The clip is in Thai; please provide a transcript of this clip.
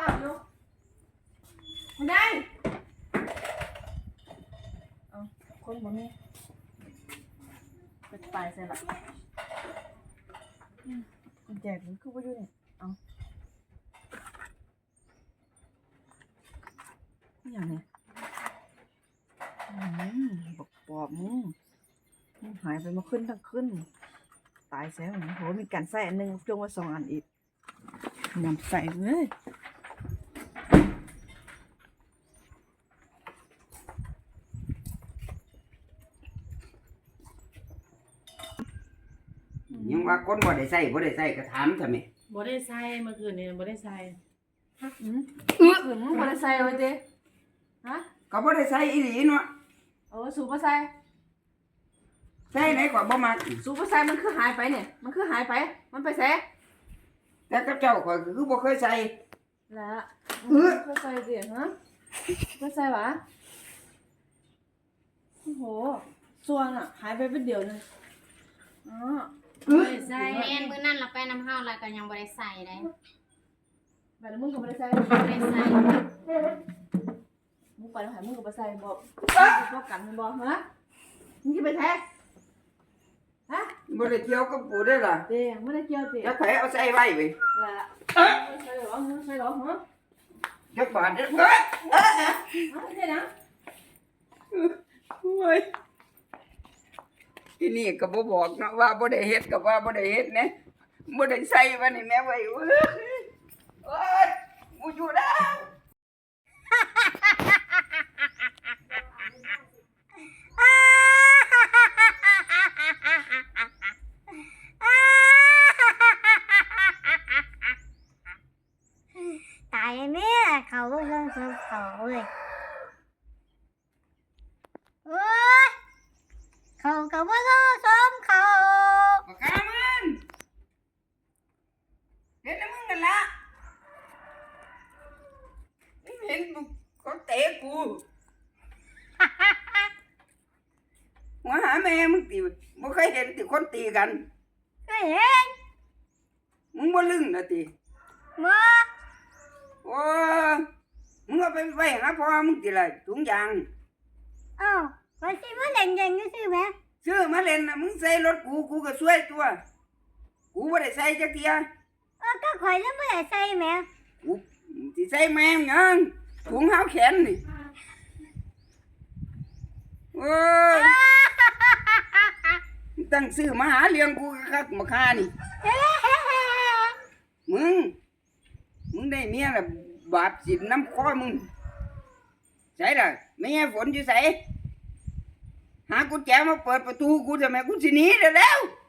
ป้าอยู่ไม่ได้เอาคนบ่มีไปตายใส่ละกุญแจมันคือว่าอยู่นี่เอาอย่างนี้บอกปอบมึงหายไปมาขึ้นทั้งขึ้นตายแซวโหมีการใส่อันนึงจงว่า2 อันอีกนำใส่เลยยังว่าคนบ่ได้ใส่ก็ถามทำไมบ่ได้ใส่เมื่อคืนนี้บ่ได้ใส่ถึงบ่ได้ใส่ไว้เด้ฮะก็บ่ได้ใส่อีหลีเนาะสูบบ่ใส่ใส่ไหนก็บ่มักสูบบ่ใส่มันคือหายไปเนี่ยมันคือหายไปมันไปแซ่แต่กับเจ้าก็คือบ่เคยใส่ละก็ใส่ดิฮะก็ใส่หวะโอ้โหส่วนอ่ะหายไปเป็นเดียวนึงอ๋อบ่ได้ใส่แม่นมื้อนั้นเราไปน้ำเฮาแล้วก็ยังบ่ได้ใส่ได้แบบมึงก็บ่ได้ใส่บ่ได้ใส่มึงไปแล้วหายมึงก็บ่ใส่บอกบอกกันมันบอกฮะมึงสิไปแท้ฮะบ่ได้เกี่ยวกับกูได้อล่ะเด้ไม่ได้เกี่ยวติจักไผเอาใส่ไว้เว้ยละใส่หรอใส่หรอฮะจักบาทเด้อใช่นะโอ้ยที่นี่ก็บ่บอกเนาะว่าบ่ได้เฮ็ดก็ว่าบ่ได้เฮ็ดนะบ่ได้ใส่ว่านี่แม่ไว้โอ้ยกูอยู่แล้วตายแม่เขาเรื่องเขาเลยโอ้ยเขากับว่าซ้อมเขาปากกามันเห็นแล้วมึงกันละเห็นเขาเตะกูหัวหาแม่มึงตีบ่เคยเห็นตีคนตีกันก็เห็นมึงบ่ลึงนะตีมาโอ้มึงเอาไปไว้หาพ่อมึงตีละถุงยางเอ้าวันที่มันเด่นๆก็คือแม่ซื้อมาเล่นนะมึงใส่รถกูก็ช่วยตัวกูบ่ได้ใส่จักเทียก็ข่อยแล้วไม่ได้ใส่แม่กูสิใส่แม่งยังถุงเท้าแขนนี่โอ้ยตั้งซื้อมาหาเลี้ยงกูคักมาค่านี่มึงได้เมียละบาปสิน้ำคอมึงใส่ละไม่ให้ฝนอยู่ใส่หากุญแจมาเปิดประตูกูทำไมกูสิหนีเดี๋ยวแล้ว